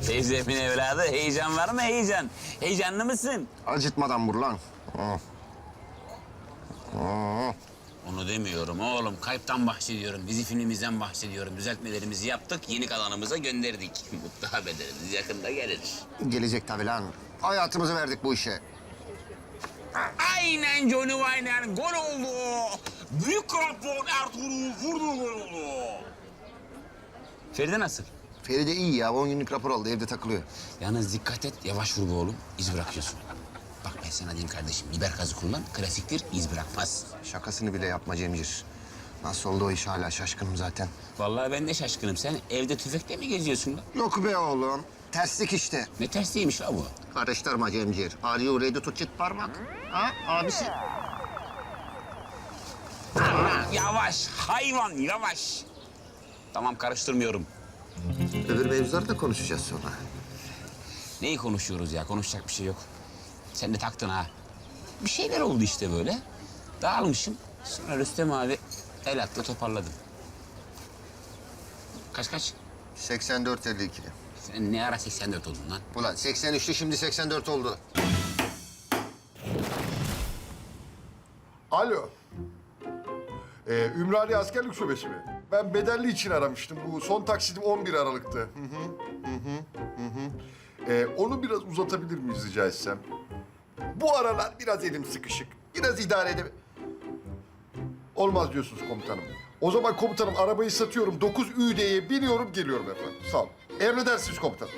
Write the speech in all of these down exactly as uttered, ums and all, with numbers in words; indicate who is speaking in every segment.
Speaker 1: Teyzemin evladı, heyecan var mı heyecan? Heyecanlı mısın?
Speaker 2: Acıtmadan vur lan. Oh. Oh.
Speaker 1: Onu demiyorum oğlum, kayıptan bahsediyorum. Dizi filmimizden bahsediyorum. Düzeltmelerimizi yaptık, yeni kanalımıza gönderdik. Mutlu haberlerimiz yakında gelir.
Speaker 2: Gelecek tabii lan. Hayatımızı verdik bu işe.
Speaker 1: Aynen Johnny Wayne'en gol oldu. Büyük krampon Ertuğrul vurdu, gol oldu. Feride nasıl?
Speaker 2: Feride iyi ya. On günlük rapor aldı. Evde takılıyor.
Speaker 1: Yalnız dikkat et, yavaş vur be oğlum. İz bırakıyorsun. Bak ben sana diyeyim kardeşim, biber gazı kullan, klasiktir, iz bırakmaz.
Speaker 2: Şakasını bile yapma Cemcir. Nasıl oldu o iş hala şaşkınım zaten.
Speaker 1: Vallahi ben de şaşkınım. Sen evde tüfekle mi geziyorsun lan?
Speaker 2: Yok be oğlum. Terslik işte.
Speaker 1: Ne tersliymiş la bu?
Speaker 2: Karıştırma Cemcir. Are you ready to çıt parmak? Ha abisi?
Speaker 1: Aman, yavaş, hayvan yavaş. Tamam, karıştırmıyorum.
Speaker 2: Öbür mevzuları da konuşacağız sonra.
Speaker 1: Neyi konuşuyoruz ya? Konuşacak bir şey yok. Sen de taktın ha. Bir şeyler oldu işte böyle. Dağılmışım. Sonra Rüstem abi el attı, toparladım. Kaç kaç?
Speaker 2: seksen dört elli iki.
Speaker 1: Sen ne ara seksen dört oldun lan?
Speaker 2: Ulan seksen üçtü şimdi seksen dört oldu.
Speaker 3: Alo. Ee, Ümraniye Askerlik Şubesi mi? Ben bedelli için aramıştım. Bu son taksidim on bir Aralık'tı. Hı hı, hı hı, hı hı. Ee, onu biraz uzatabilir miyiz rica etsem? Bu aralar biraz elim sıkışık. Biraz idare edem... Olmaz diyorsunuz komutanım. O zaman komutanım arabayı satıyorum. dokuz Ü D'ye biniyorum geliyorum efendim. Sağ olun. Emredersiniz komutanım.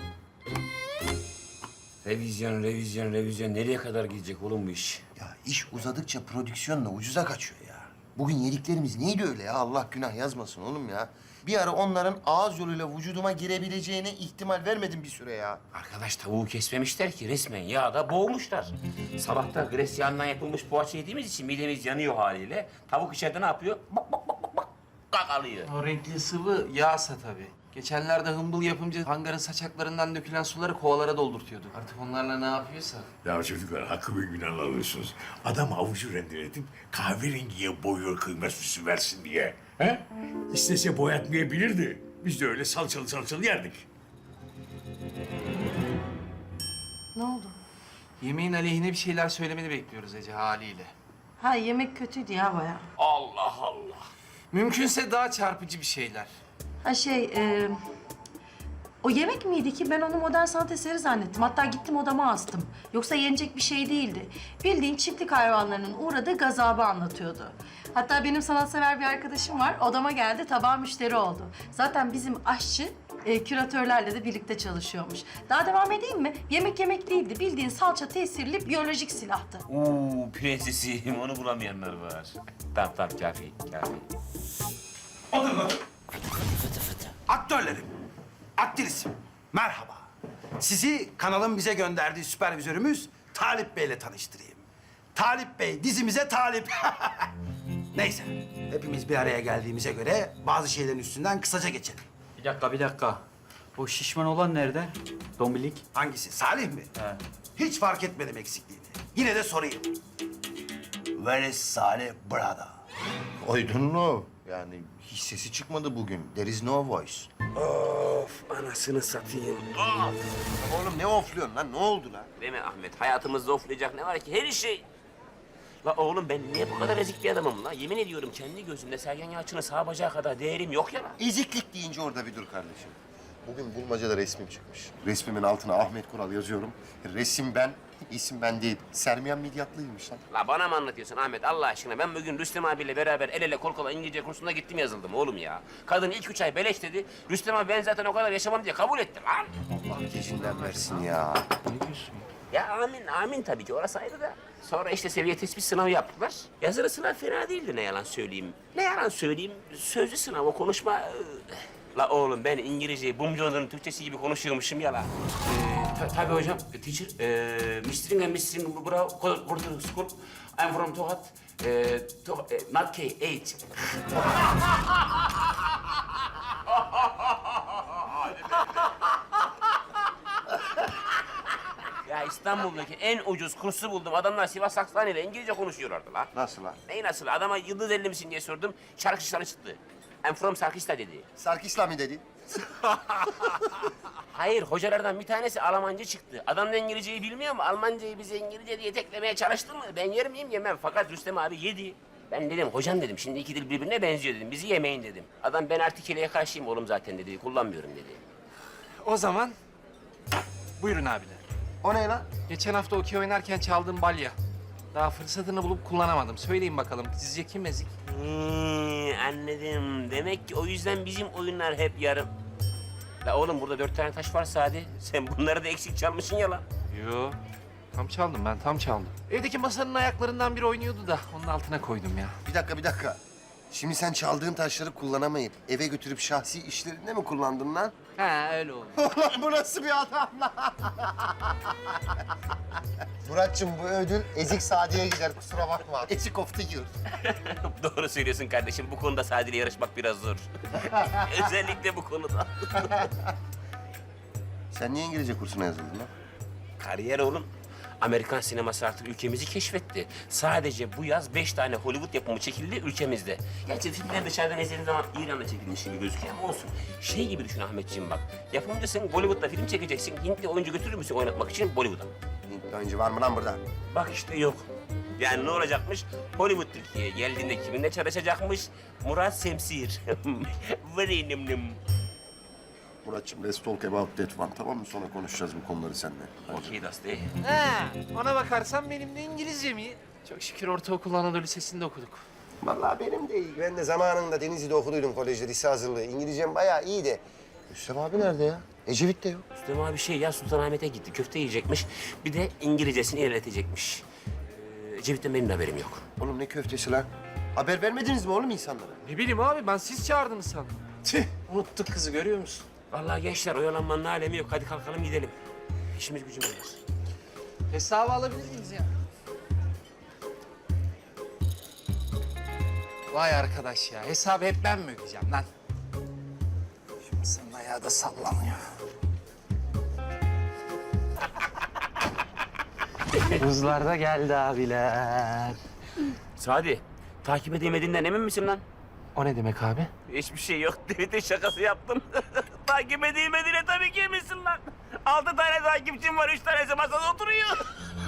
Speaker 4: Revizyon, revizyon, revizyon. Nereye kadar gidecek oğlum bu iş?
Speaker 5: Ya iş uzadıkça prodüksiyon da ucuza kaçıyor ya. Bugün yediklerimiz neydi öyle ya? Allah günah yazmasın oğlum ya. Bir ara onların ağız yoluyla vücuduma girebileceğine ihtimal vermedim bir süre ya.
Speaker 4: Arkadaş tavuğu kesmemişler ki resmen yağda boğmuşlar. Sabahta gres yağından yapılmış poğaça yediğimiz için midemiz yanıyor haliyle. Tavuk içeride ne yapıyor? Bak bak bak bak bak. Kakalıyor.
Speaker 6: O renkli sıvı yağsa tabii. Geçenlerde hımbıl yapımcı hangarın saçaklarından dökülen suları kovalara doldurtuyordu. Artık onlarla ne yapıyorsa.
Speaker 7: Ya çocuklar hakkı ve günahını alıyorsunuz. Adam avucu rendeletip kahverengiye boyuyor kıyma süsü versin diye. He? İstese boyatmayabilirdi. Biz de öyle salçalı salçalı yerdik.
Speaker 8: Ne oldu?
Speaker 6: Yemeğin aleyhine bir şeyler söylemeni bekliyoruz Ece haliyle.
Speaker 8: Ha yemek kötüydü ya bayağı.
Speaker 4: Allah Allah.
Speaker 6: Mümkünse daha çarpıcı bir şeyler.
Speaker 8: Ha şey, e, o yemek miydi ki? Ben onu modern sanat eseri zannettim. Hatta gittim odama astım. Yoksa yenecek bir şey değildi. Bildiğin çiftlik hayvanlarının uğradığı gazabı anlatıyordu. Hatta benim sanatsever bir arkadaşım var. Odama geldi, tabağı müşteri oldu. Zaten bizim aşçı e, küratörlerle de birlikte çalışıyormuş. Daha devam edeyim mi? Yemek yemek değildi. Bildiğin salça tesirli biyolojik silahtı.
Speaker 4: Oo prensesim onu bulamayanlar var. Tamam tamam kafi kafi.
Speaker 9: Otur otur. Aktörlerim, aktrisim, merhaba. Sizi kanalın bize gönderdiği süpervizörümüz Talip Bey'le tanıştırayım. Talip Bey dizimize talip. Neyse, hepimiz bir araya geldiğimize göre bazı şeylerin üstünden kısaca geçelim.
Speaker 6: Bir dakika, bir dakika. O şişman olan nerede? Dombilik.
Speaker 9: Hangisi, Salih mi?
Speaker 6: He.
Speaker 9: Hiç fark etmedim eksikliğini. Yine de sorayım. Where is Salih brother?
Speaker 5: I don't know. Yani hiç sesi çıkmadı bugün. There is no voice.
Speaker 4: Of anasını satayım.
Speaker 5: Oğlum ne ofluyorsun lan? Ne oldu lan?
Speaker 4: Değil mi Ahmet? Hayatımızda oflayacak ne var ki? Her şey. La oğlum ben niye bu kadar ezik bir adamım la? Yemin ediyorum kendi gözümde Sergen Yalçın'ın sağ bacağı kadar değerim yok ya la.
Speaker 5: Eziklik deyince orada bir dur kardeşim. Bugün bulmacada resmim çıkmış. Resmimin altına Ahmet Kural yazıyorum. Resim ben, isim ben değil. Sermiyan Midyatlıymış lan.
Speaker 4: La bana mı anlatıyorsun Ahmet Allah aşkına? Ben bugün Rüstem abiyle beraber el ele kol kola İngilizce kursuna gittim yazıldım oğlum ya. Kadın ilk üç ay beleş dedi. Rüstem abi ben zaten o kadar yaşamam diye kabul etti lan.
Speaker 5: Allah gecinden versin ya.
Speaker 6: Ne diyorsun?
Speaker 4: Ya amin, amin tabii ki orası ayrı da. Sonra işte seviye tespit sınavı yaptılar. Yazılı sınav fena değildi ne yalan söyleyeyim. Ne yalan söyleyeyim, sözlü sınav o konuşma... La oğlum ben İngilizceyi Bumcu'nun Türkçesi gibi konuşuyormuşum ya la. Ee, ta tabii hocam, teacher, ee, Mister and Mister Bravo, Quarter School. I'm from Tohat, ee, to, ee, not K, eight. Ya İstanbul'daki en ucuz kursu buldum. Adamlar Sivas Aksan ile İngilizce konuşuyorlardı la.
Speaker 5: Nasıl lan?
Speaker 4: Neyi nasıl? Adama yıldız elli misin diye sordum. Şarkışları çıktı. I'm from Sarkisla dedi.
Speaker 5: Sarkisla mı dedi?
Speaker 4: Hayır, hocalardan bir tanesi Almanca çıktı. Adam da İngilizceyi bilmiyor mu? Almancayı bize İngilizce diye teklemeye çalıştı mı? Ben yer miyim? Yemem. Fakat Rüstem abi yedi. Ben dedim, hocam dedim, şimdi iki dil birbirine benziyor dedim. Bizi yemeyin dedim. Adam ben artikeleye karşıyım oğlum zaten dedi. Kullanmıyorum dedi.
Speaker 6: O zaman buyurun abiler.
Speaker 5: O ne lan?
Speaker 6: Geçen hafta okey oynarken çaldığım balya. Daha fırsatını bulup kullanamadım. Söyleyin bakalım sizce kim ezik?
Speaker 4: Hmm, anladım. Demek ki o yüzden bizim oyunlar hep yarım. La oğlum burada dört tane taş var Sadi. Sen bunları da eksik çalmışsın ya lan.
Speaker 6: Yo. Tam çaldım ben, tam çaldım. Evdeki masanın ayaklarından biri oynuyordu da onun altına koydum ya.
Speaker 5: Bir dakika, bir dakika. Şimdi sen çaldığın taşları kullanamayıp eve götürüp şahsi işlerinde mi kullandın lan?
Speaker 6: Ha öyle oldu.
Speaker 5: Ulan bu nasıl bir adam lan? Muratçım bu ödül Ezik Sadi'ye gider, kusura bakma. Ezik of the year.
Speaker 4: Doğru söylüyorsun kardeşim. Bu konuda Sadi ile yarışmak biraz zor. Özellikle bu konuda.
Speaker 5: Sen niye İngilizce kursuna yazıldın lan?
Speaker 4: Kariyer oğlum. Amerikan sineması artık ülkemizi keşfetti. Sadece bu yaz beş tane Hollywood yapımı çekildi ülkemizde. Gerçi filmler dışarıdan izlediğin zaman İran'da çekilmiş gibi gözüküyor ama olsun. Şey gibi düşün Ahmetciğim bak. Yapımcısın, Bollywood'da film çekeceksin. Hintli oyuncu götürür müsün oynatmak için Bollywood'a?
Speaker 5: Hintli oyuncu var mı lan burada?
Speaker 4: Bak işte yok. Yani ne olacakmış? Hollywood Türkiye'ye geldiğinde kiminle çalışacakmış? Murat Semsir. Very nim nim.
Speaker 5: Muratçım, let's talk about that one. Tamam mı? Sonra konuşacağız bu konuları seninle.
Speaker 4: Okey Dusty.
Speaker 6: Ha, ona bakarsan benim de İngilizcem iyi. Çok şükür ortaokul Anadolu Lisesi'nde okuduk.
Speaker 5: Vallahi benim de iyi. Ben de zamanında Denizli'de okuduydum kolejde, lise hazırlığı. İngilizcem bayağı iyiydi. Rüstem abi nerede ya? Ecevit de yok.
Speaker 4: Rüstem abi şey ya Sultanahmet'e gitti. Köfte yiyecekmiş. Bir de İngilizcesini ilerletecekmiş. Ee, Cevit'ten benim de haberim yok.
Speaker 5: Oğlum ne köftesi lan? Haber vermediniz mi oğlum insanlara?
Speaker 6: Ne bileyim abi ben siz çağırdınız sandım. Tüh unuttuk kızı görüyor musun?
Speaker 4: Vallahi gençler oyalanmanın alemi yok. Hadi kalkalım gidelim. İşimiz gücümüz var.
Speaker 6: Hesabı alabilir miyiz ya? Vay arkadaş ya, hesabı hep ben mi ödeyeceğim lan? Şu masanın ayağı da sallanıyor. Buzlar da geldi abiler.
Speaker 4: Sadi, takip edemediğinden emin misin lan?
Speaker 6: O ne demek abi?
Speaker 4: Hiçbir şey yok. Tweet'in şakası yaptım. takip edilmediğine tabii ki eminsin lan. Altı tane takipçim var, üç tanesi masada oturuyor.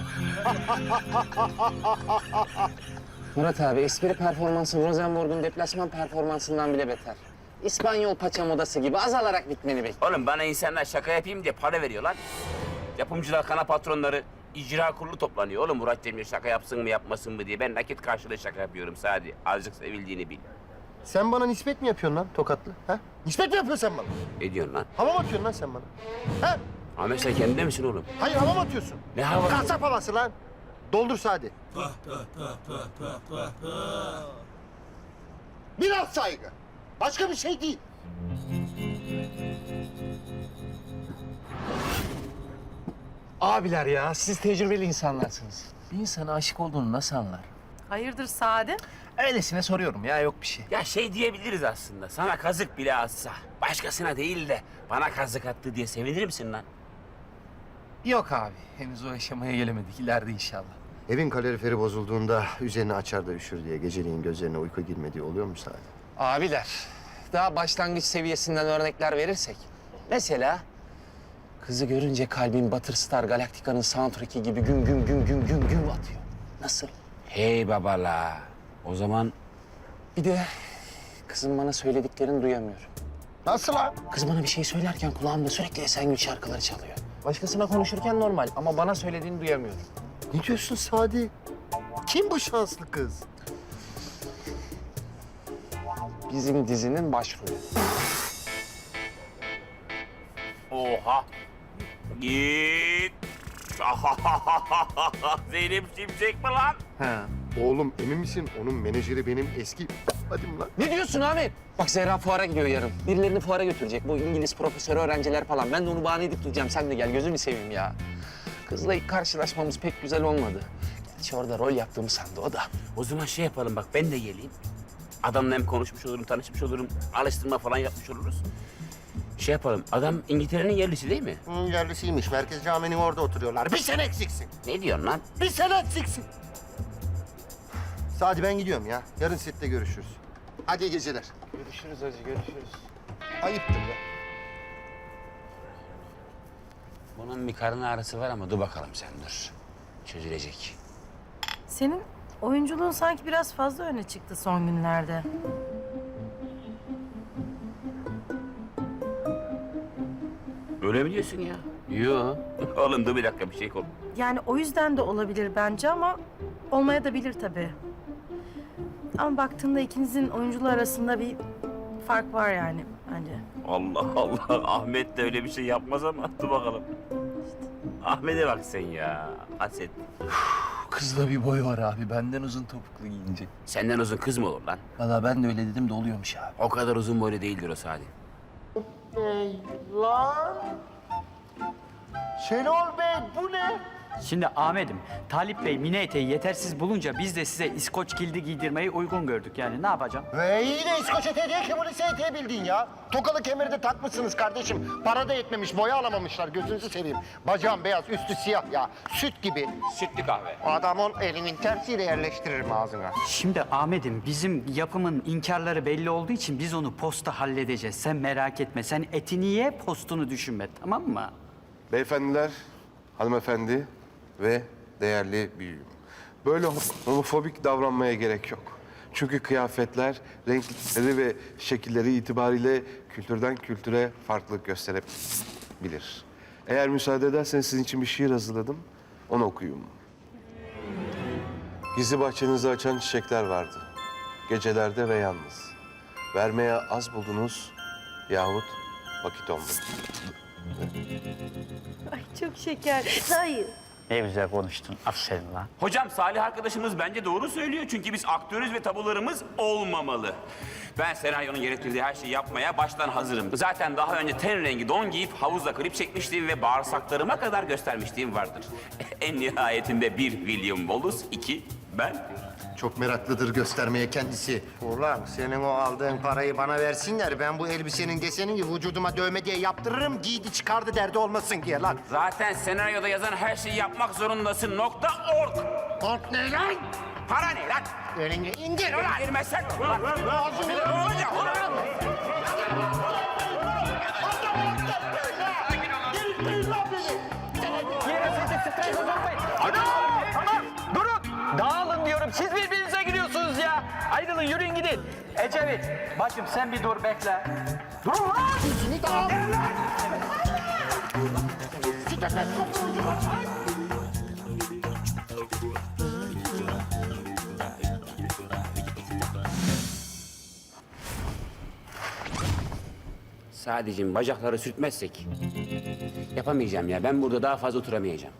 Speaker 10: Murat abi, espri performansı Rosenborg'un deplasman performansından bile beter. İspanyol paça modası gibi azalarak bitmeni bekliyor.
Speaker 4: Oğlum bana insanlar şaka yapayım diye para veriyor lan. Yapımcılar, kana patronları, icra kurulu toplanıyor. Oğlum Murat Cemil şaka yapsın mı yapmasın mı diye. Ben nakit karşılığı şaka yapıyorum Sadi. Azıcık sevildiğini bil.
Speaker 5: Sen bana nispet mi yapıyorsun lan Tokatlı? Ha? Nispet mi yapıyorsun sen bana?
Speaker 4: Ne diyorsun lan?
Speaker 5: Hava mı atıyorsun lan sen bana? Ha?
Speaker 4: Ahmet sen kendinde misin oğlum?
Speaker 5: Hayır, hava mı atıyorsun?
Speaker 4: Ne hava?
Speaker 5: Kasap havası lan. Doldur Sadi. Biraz saygı. Başka bir şey değil.
Speaker 6: Abiler ya, siz tecrübeli insanlarsınız. Bir insana aşık olduğunu nasıl anlar?
Speaker 8: Hayırdır Sadi?
Speaker 6: Öylesine soruyorum ya, yok bir şey.
Speaker 4: Ya şey diyebiliriz aslında. Sana kazık bile atsa, başkasına değil de bana kazık attı diye sevinir misin lan?
Speaker 6: Yok abi, henüz o aşamaya gelemedik. İleride inşallah.
Speaker 5: Evin kaloriferi bozulduğunda üzerine açar da üşür diye geceliğin gözlerine uyku girmediği oluyor mu Sadi?
Speaker 10: Abiler, daha başlangıç seviyesinden örnekler verirsek. Mesela kızı görünce kalbin Battlestar Galactica'nın soundtrack'i gibi güm güm güm güm güm güm atıyor. Nasıl?
Speaker 1: Hey babala. O zaman
Speaker 10: Bir de kızım bana söylediklerini duyamıyorum.
Speaker 5: Nasıl lan?
Speaker 10: Kız bana bir şey söylerken kulağımda sürekli Esengül şarkıları çalıyor. Başkasına konuşurken normal ama bana söylediğini duyamıyorum.
Speaker 5: Ne diyorsun Sadi? Kim bu şanslı kız?
Speaker 10: Bizim dizinin başrolü.
Speaker 4: Oha! Git! Zeynep Şimşek mi lan?
Speaker 6: Ha.
Speaker 3: Oğlum emin misin? Onun menajeri benim eski... Hadi mi lan?
Speaker 10: Ne diyorsun Ahmet? Bak Zehra fuara gidiyor yarın. Birilerini fuara götürecek. Bu İngiliz profesörü öğrenciler falan. Ben de onu bahane edip duracağım. Sen de gel gözünü seveyim ya. Kızla ilk karşılaşmamız pek güzel olmadı. Gerçi orada rol yaptığımı sandı o da.
Speaker 4: O zaman şey yapalım bak ben de geleyim. Adamla hem konuşmuş olurum, tanışmış olurum, alıştırma falan yapmış oluruz. Şey yapalım, adam İngiltere'nin yerlisi değil mi?
Speaker 5: Hı, yerlisiymiş. Merkez Camii'nin orada oturuyorlar. Bir sene eksiksin.
Speaker 4: Ne diyorsun lan?
Speaker 5: Bir sene eksiksin. Sadi ben gidiyorum ya. Yarın sette görüşürüz. Hadi iyi geceler.
Speaker 6: Görüşürüz hacı, görüşürüz.
Speaker 5: Ayıptır be.
Speaker 1: Onun bir karın ağrısı var ama dur bakalım sen dur. Çözülecek.
Speaker 8: Senin oyunculuğun sanki biraz fazla öne çıktı son günlerde.
Speaker 4: Öyle mi diyorsun ya?
Speaker 1: Yo.
Speaker 4: Oğlum dur bir dakika bir şey kol.
Speaker 8: Yani o yüzden de olabilir bence ama olmaya da bilir tabii. Ama baktığında ikinizin oyunculuğu arasında bir fark var yani bence.
Speaker 4: Allah Allah. Ahmet de öyle bir şey yapmaz ama dur bakalım. Ahmet'e bak sen ya. Haset.
Speaker 6: Kızda bir boy var abi. Benden uzun topuklu giyince.
Speaker 4: Senden uzun kız mı olur lan?
Speaker 6: Valla ben de öyle dedim de oluyormuş abi.
Speaker 4: O kadar uzun boylu değildir o Sadi.
Speaker 5: Lan! Şenol Bey bu ne?
Speaker 11: Şimdi Ahmet'im, Talip Bey mini eteği yetersiz bulunca biz de size İskoç kildi giydirmeyi uygun gördük. Yani ne yapacağım?
Speaker 5: Ve iyi de İskoç eteği diye kemurisi eteği bildin ya. Tokalı kemeri de takmışsınız kardeşim. Para da yetmemiş, boya alamamışlar. Gözünüzü seveyim. Bacağım beyaz, üstü siyah ya. Süt gibi.
Speaker 4: Sütlü kahve.
Speaker 5: Adamın elinin tersiyle yerleştiririm ağzına.
Speaker 11: Şimdi Ahmet'im, bizim yapımın inkarları belli olduğu için biz onu posta halledeceğiz. Sen merak etme. Sen etini ye, postunu düşünme. Tamam mı?
Speaker 12: Beyefendiler, hanımefendi ve değerli büyüğüm. Böyle homofobik davranmaya gerek yok. Çünkü kıyafetler, renkleri ve şekilleri itibariyle kültürden kültüre farklılık gösterebilir. Eğer müsaade ederseniz sizin için bir şiir hazırladım. Onu okuyayım. Gizli bahçenizi açan çiçekler vardı. Gecelerde ve yalnız. Vermeye az buldunuz yahut vakit olmadı.
Speaker 8: Ay çok şeker. Hayır.
Speaker 11: Ne güzel konuştun. Aferin lan.
Speaker 4: Hocam Salih arkadaşımız bence doğru söylüyor. Çünkü biz aktörüz ve tabularımız olmamalı. Ben senaryonun gerektirdiği her şeyi yapmaya baştan hazırım. Zaten daha önce ten rengi don giyip havuzda klip çekmişliğim ve bağırsaklarıma kadar göstermişliğim vardır. En nihayetinde bir William Wallace, iki ben.
Speaker 5: Çok meraklıdır göstermeye kendisi. Ulan senin o aldığın parayı bana versinler. Ben bu elbisenin desenini vücuduma dövme diye yaptırırım. Giydi çıkardı derdi olmasın diye lan.
Speaker 4: Zaten senaryoda yazan her şeyi yapmak zorundasın. Nokta org.
Speaker 5: Ort ne lan?
Speaker 4: Para ne lan?
Speaker 5: Elini indir ulan.
Speaker 4: İndirmezsen ulan. Ne olacak ulan?
Speaker 11: Tamam, durun. Dağılın diyorum. Siz birbirinize giriyorsunuz ya. Ayrılın, yürüyün gidin. Ecevit, bacım sen bir dur bekle. Durun lan.
Speaker 5: Yüzünü dağıl.
Speaker 4: Sadece bacakları sürtmezsek yapamayacağım ya. Ben burada daha fazla oturamayacağım.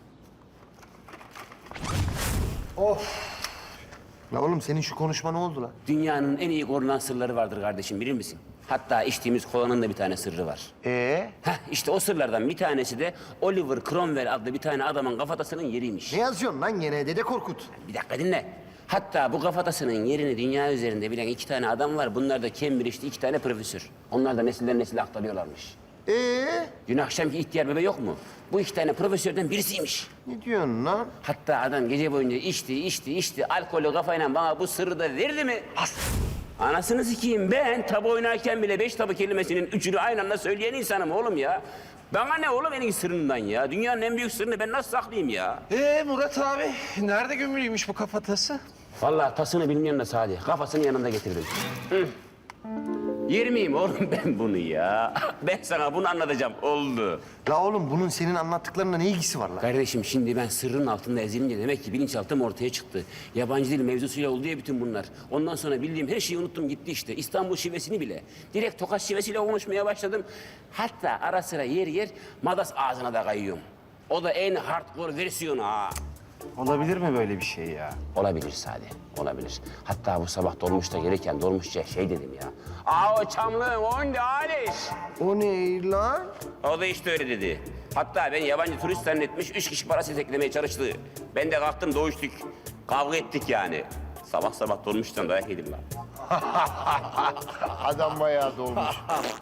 Speaker 5: La oğlum senin şu konuşma ne oldu lan?
Speaker 4: Dünyanın en iyi korunan sırları vardır kardeşim, bilir misin? Hatta içtiğimiz kolanın da bir tane sırrı var.
Speaker 5: Ee?
Speaker 4: Heh, işte o sırlardan bir tanesi de Oliver Cromwell adlı bir tane adamın kafatasının yeriymiş.
Speaker 5: Ne yazıyorsun lan gene Dede Korkut?
Speaker 4: Bir dakika dinle. Hatta bu kafatasının yerini dünya üzerinde bilen iki tane adam var. Bunlar da Cambridge'de iki tane profesör. Onlar da nesilden nesile aktarıyorlarmış.
Speaker 5: Ee?
Speaker 4: Dün akşamki ihtiyar bebe yok mu? Bu iki tane profesörden birisiymiş.
Speaker 5: Ne diyorsun lan?
Speaker 4: Hatta adam gece boyunca içti, içti, içti. Alkolü kafayla bana bu sırrı da verdi mi? As! Anasını sikeyim, ben tabu oynarken bile beş tabu kelimesinin üçünü aynı anda söyleyen insanım oğlum ya. Bana ne oğlum en iyi sırrından ya? Dünyanın en büyük sırrını ben nasıl saklayayım ya?
Speaker 6: Ee Murat abi, nerede gömülüymüş bu kafatası?
Speaker 4: Vallahi tasını bilmiyorum da Sadi. Kafasını yanında getirdim. Hı. Yer miyim oğlum ben bunu ya? Ben sana bunu anlatacağım. Oldu.
Speaker 5: La oğlum bunun senin anlattıklarına ne ilgisi var lan?
Speaker 4: Kardeşim şimdi ben sırrın altında ezilince demek ki bilinçaltım ortaya çıktı. Yabancı dil mevzusuyla oldu ya bütün bunlar. Ondan sonra bildiğim her şeyi unuttum gitti işte. İstanbul şivesini bile. Direkt Tokat şivesiyle konuşmaya başladım. Hatta ara sıra yer yer Madas ağzına da kayıyorum. O da en hardcore versiyonu ha.
Speaker 6: Olabilir mi böyle bir şey ya?
Speaker 4: Olabilir Sadi, olabilir. Hatta bu sabah dolmuşta gelirken dolmuşça şey dedim ya. Aa o çamlığın onde Aliş.
Speaker 5: O ne lan?
Speaker 4: O da işte öyle dedi. Hatta ben yabancı turist zannetmiş, üç kişi parası teklemeye çalıştı. Ben de kalktım doğuştuk. Kavga ettik yani. Sabah sabah dolmuştan dayak yedim lan.
Speaker 5: Adam bayağı dolmuş.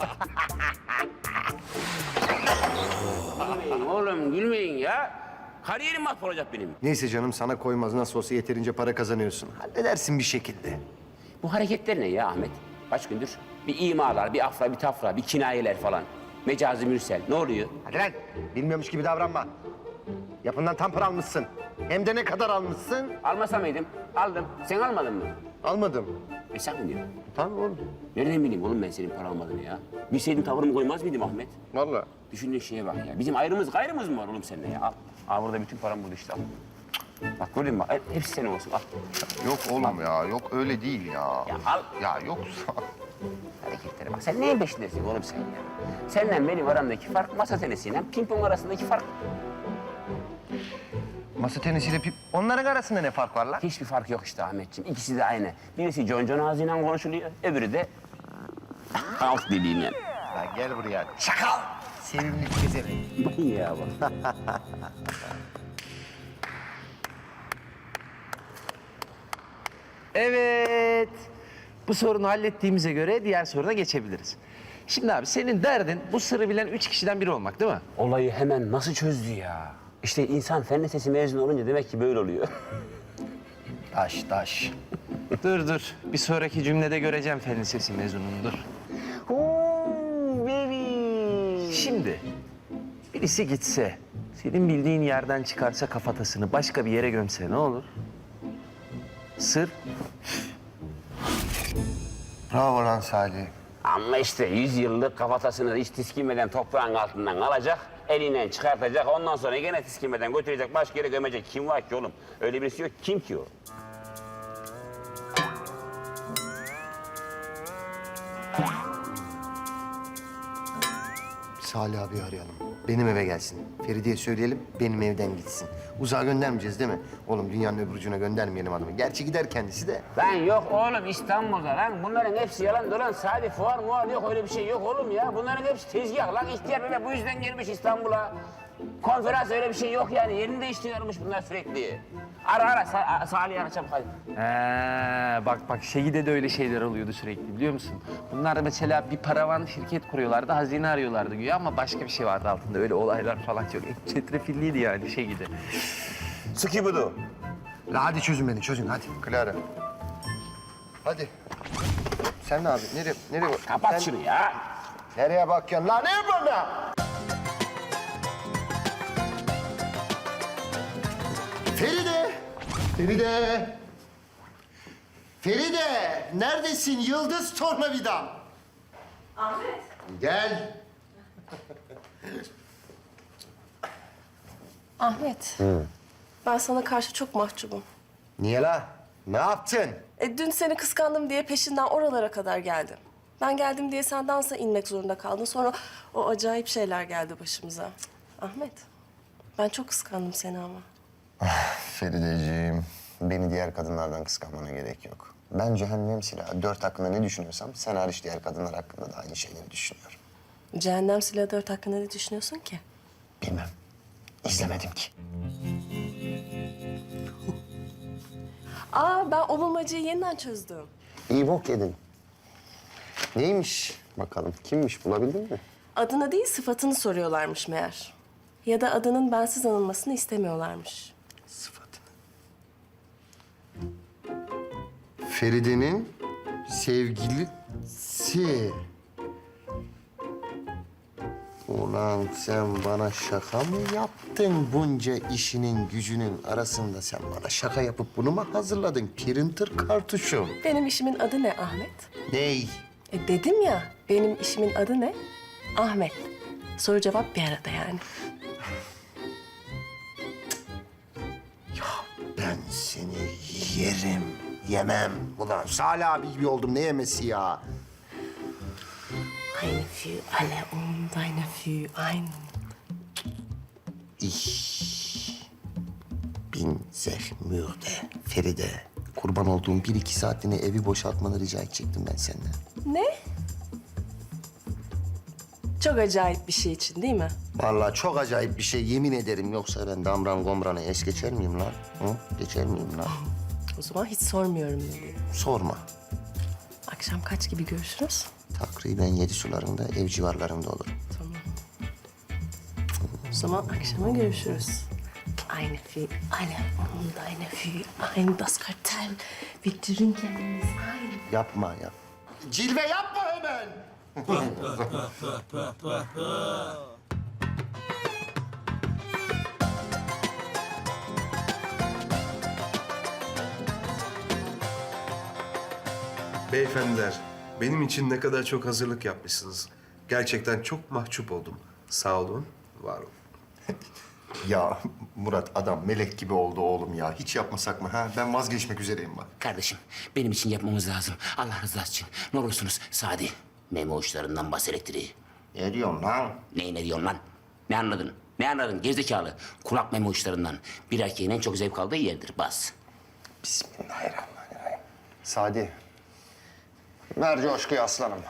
Speaker 4: Gülmeyin oğlum, gülmeyin ya. Kariyerim mahvolacak benim.
Speaker 5: Neyse canım sana koymaz. Nasıl olsa yeterince para kazanıyorsun. Halledersin bir şekilde.
Speaker 4: Bu hareketler ne ya Ahmet? Kaç gündür? Bir imalar, bir afra, bir tafra, bir kinayeler falan. Mecazi Mürsel. Ne oluyor?
Speaker 2: Hadi lan. Bilmiyormuş gibi davranma. Yapımdan tam para almışsın. Hem de ne kadar almışsın?
Speaker 4: Almasa mıydım? Aldım. Sen almadın mı?
Speaker 2: Almadım.
Speaker 4: E sen mi diyorsun?
Speaker 2: Tamam oğlum.
Speaker 4: Nereden bileyim oğlum ben senin para almadığını ya? Bilseydim tavırımı koymaz mıydım Ahmet?
Speaker 2: Vallahi.
Speaker 4: Düşündüğün şeye bak ya. Bizim ayrımız gayrımız mı var oğlum seninle ya? Al. Al burada bütün param burada işte al. Bak gördün mü? Hep- Hepsi senin olsun al.
Speaker 2: Yok oğlum ya. Yok öyle değil ya.
Speaker 4: Ya al.
Speaker 2: Ya yok.
Speaker 4: Hareketlere bak. Sen neyin peşindesin oğlum sen ya? Seninle benim aramdaki fark masa tenisiyle pimpon arasındaki fark.
Speaker 2: Masa tenisiyle pip... Onların arasında ne fark var lan?
Speaker 4: Hiçbir fark yok işte Ahmetciğim. İkisi de aynı. Birisi John John ağzıyla konuşuluyor, öbürü de halk diliyle.
Speaker 2: Lan gel buraya. Çakal! Sevimli gezerim.
Speaker 4: ya bak.
Speaker 10: Evet. Bu sorunu hallettiğimize göre diğer soruna geçebiliriz. Şimdi abi senin derdin bu sırrı bilen üç kişiden biri olmak değil mi?
Speaker 4: Olayı hemen nasıl çözdü ya? İşte insan fen lisesi mezunu olunca demek ki böyle oluyor.
Speaker 2: Taş taş.
Speaker 10: Dur dur. Bir sonraki cümlede göreceğim fen lisesi mezununu dur. Şimdi birisi gitse, senin bildiğin yerden çıkarsa kafatasını başka bir yere gömse ne olur? Sır.
Speaker 5: Bravo lan Salih.
Speaker 4: Ama işte yüz yıllık kafatasını hiç tiskinmeden toprağın altından alacak, elinden çıkartacak, ondan sonra gene tiskinmeden götürecek, başka yere gömecek. Kim var ki oğlum? Öyle birisi yok. Kim ki o?
Speaker 5: Salih abi arayalım. Benim eve gelsin. Feride'ye söyleyelim, benim evden gitsin. Uzağa göndermeyeceğiz değil mi? Oğlum dünyanın öbür ucuna göndermeyelim adamı. Gerçi gider kendisi de.
Speaker 4: Lan yok oğlum İstanbul'da lan. Bunların hepsi yalan dolan. Sadece fuar muar yok, öyle bir şey yok oğlum ya. Bunların hepsi tezgah lan. İhtiyar bebe bu yüzden gelmiş İstanbul'a. Konferans öyle bir şey yok yani. Yerini değiştiriyormuş bunlar sürekli. Ara ara, Sa Salih'i ara çabuk hadi.
Speaker 10: He, bak bak Şehide de öyle şeyler oluyordu sürekli biliyor musun? Bunlar mesela bir paravan şirket kuruyorlardı, hazine arıyorlardı güya ama başka bir şey vardı altında. Öyle olaylar falan çok çetrefilliydi yani Şehide.
Speaker 4: Sıkı budu.
Speaker 5: La hadi çözün beni, çözün hadi. Clara. Hadi. Sen ne abi? Nereye? Nereye?
Speaker 4: Kapat
Speaker 5: Sen
Speaker 4: şunu ya.
Speaker 5: nereye bakıyorsun? La ne yapıyorsun la? Feride! Feride! Feride! Neredesin yıldız tornavidam?
Speaker 8: Ahmet.
Speaker 5: Gel.
Speaker 13: Ahmet, ben sana karşı çok mahcubum.
Speaker 5: Niye la? Ne yaptın?
Speaker 13: E, dün seni kıskandım diye peşinden oralara kadar geldim. Ben geldim diye sen dansa inmek zorunda kaldın. Sonra o acayip şeyler geldi başımıza. Cık, Ahmet, ben çok kıskandım seni ama.
Speaker 2: Ferideciğim, beni diğer kadınlardan kıskanmana gerek yok. Ben cehennem silahı dört hakkında ne düşünüyorsam sen hariç diğer kadınlar hakkında da aynı şeyleri düşünüyorum.
Speaker 13: Cehennem Silahı dört hakkında ne düşünüyorsun ki?
Speaker 2: Bilmem. İzlemedim ki.
Speaker 13: Aa, ben o bulmacayı yeniden çözdüm.
Speaker 2: İyi bok yedin. Neymiş bakalım? Kimmiş bulabildin mi?
Speaker 13: Adını değil, sıfatını soruyorlarmış meğer. Ya da adının bensiz anılmasını istemiyorlarmış.
Speaker 5: Sıfatını. Feride'nin sevgilisi. Ulan sen bana şaka mı yaptın bunca işinin gücünün arasında? Sen bana şaka yapıp bunu mu hazırladın? Printer kartuşum.
Speaker 13: Benim işimin adı ne Ahmet?
Speaker 5: Ney?
Speaker 13: E dedim ya, benim işimin adı ne? Ahmet. Soru cevap bir arada yani.
Speaker 5: Ben seni yerim, yemem. Ulan Salih abi gibi oldum, ne yemesi ya?
Speaker 13: Eine für alle und eine für einen.
Speaker 5: Ich bin sehr müde. Feride, kurban olduğum bir iki saatliğine evi boşaltmanı rica edecektim ben senden.
Speaker 13: Ne? Çok acayip bir şey için değil mi?
Speaker 5: Vallahi çok acayip bir şey, yemin ederim. Yoksa ben damran gomranı es geçer miyim lan? Hı? Geçer miyim lan?
Speaker 13: O zaman hiç sormuyorum dedi.
Speaker 5: Sorma.
Speaker 13: Akşam kaç gibi görüşürüz?
Speaker 5: Takriben yedi sularında, ev civarlarında olur.
Speaker 13: Tamam. O zaman akşama görüşürüz. Eine für alle und eine für ein das Kartell. Wir trinken es ein.
Speaker 5: Yapma ya. Cilve yapma hemen.
Speaker 12: Beyefendiler, benim için ne kadar çok hazırlık yapmışsınız. Gerçekten çok mahcup oldum. Sağ olun, var olun.
Speaker 2: Ya Murat adam melek gibi oldu oğlum ya. Hiç yapmasak mı ha? Ben vazgeçmek üzereyim bak.
Speaker 4: Kardeşim benim için yapmamız lazım. Allah rızası için. Ne olursunuz Sadi. Memo uçlarından bas elektriği.
Speaker 2: Ne diyorsun lan?
Speaker 4: Ne ne diyorsun lan? Ne anladın? Ne anladın gerizekalı? Kulak memo uçlarından. Bir erkeğin en çok zevk aldığı yerdir. Bas.
Speaker 2: Bismillahirrahmanirrahim. Sadi. Ver coşkuyu aslanım.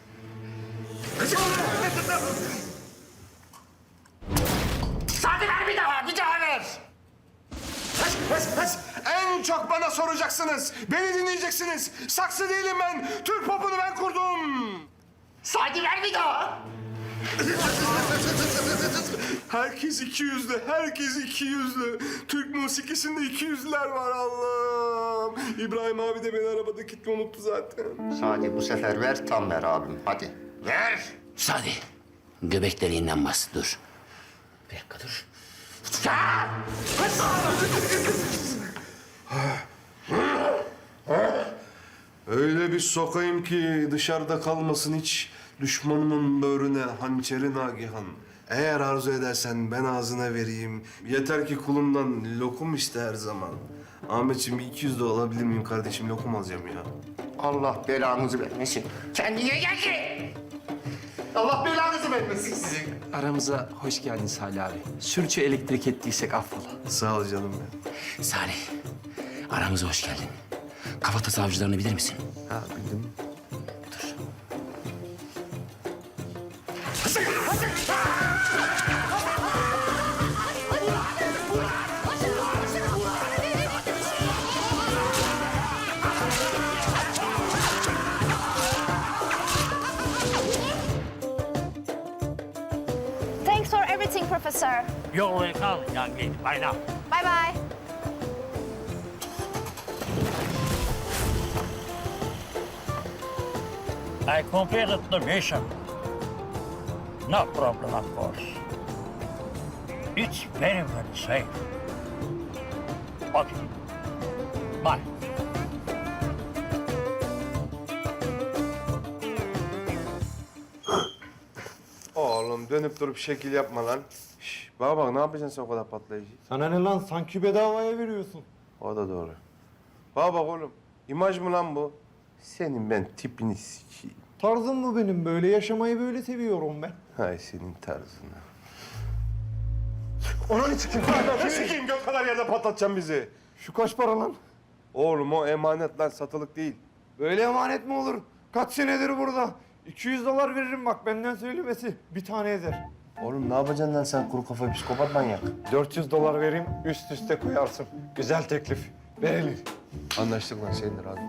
Speaker 4: Sadi ver bir daha, bir daha ver.
Speaker 12: Pes, pes, pes. En çok bana soracaksınız. Beni dinleyeceksiniz. Saksı değilim ben. Türk popunu ben kurdum.
Speaker 4: Sadi ver bir daha.
Speaker 12: Herkes iki yüzlü, herkes iki yüzlü. Türk musikisinde iki yüzlüler var Allah'ım. İbrahim abi de beni arabada kilitli unuttu zaten.
Speaker 2: Sadi bu sefer ver tam ver abim. Hadi.
Speaker 4: Ver. Sadi. Göbek deliğinden bas. Dur. Bir dakika dur. Ya!
Speaker 12: Öyle bir sokayım ki dışarıda kalmasın hiç düşmanımın böğrüne hançeri Nagihan. Eğer arzu edersen ben ağzına vereyim. Yeter ki kulumdan lokum iste her zaman. Ahmetciğim bir iki yüz de alabilir miyim kardeşim? Lokum alacağım ya.
Speaker 2: Allah belanızı vermesin.
Speaker 4: Kendine gel ki.
Speaker 2: Allah belanızı vermesin.
Speaker 10: Aramıza hoş geldin Salih abi. Sürçü elektrik ettiysek affola.
Speaker 12: Sağ ol canım benim.
Speaker 4: Salih. Aramıza hoş geldin. Kafatası avcılarını bilir misin?
Speaker 12: Ha bildim.
Speaker 4: Dur.
Speaker 14: Thanks for everything, Professor.
Speaker 11: You're welcome, young lady. Bye now.
Speaker 14: Bye bye.
Speaker 11: I completed the mission. No problem, of course. It's very, very safe. Okay. Bye.
Speaker 12: Oğlum dönüp durup şekil yapma lan. Şş, bana bak ne yapacaksın sen o kadar patlayıcı?
Speaker 15: Sana ne lan? Sanki bedavaya veriyorsun.
Speaker 12: O da doğru. Bana bak oğlum. İmaj mı lan bu? Senin ben tipini sikeyim.
Speaker 15: Tarzım mı benim? Böyle yaşamayı böyle seviyorum ben.
Speaker 12: Hay senin tarzına.
Speaker 15: Onun için kim?
Speaker 12: Sikeyim gök kadar yerde patlatacağım bizi.
Speaker 15: Şu kaç para lan?
Speaker 12: Oğlum o emanet lan satılık değil.
Speaker 15: Böyle emanet mi olur? Kaç senedir burada? iki yüz dolar veririm bak benden söylemesi. Bir tane eder.
Speaker 12: Oğlum ne yapacaksın lan sen kuru kafa psikopat manyak?
Speaker 15: dört yüz dolar vereyim üst üste koyarsın. Güzel teklif. Verilir.
Speaker 12: Anlaştık lan senindir abi.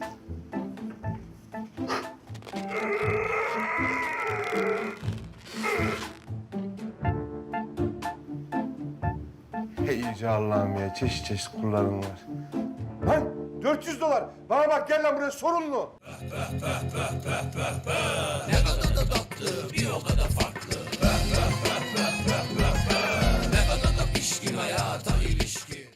Speaker 12: Hey yüce Allah'ım ya çeşit çeşit kulların var. Lan dört yüz dolar. Bana bak gel lan buraya sorunlu.
Speaker 7: Ne kadar da tatlı, bir o kadar farklı.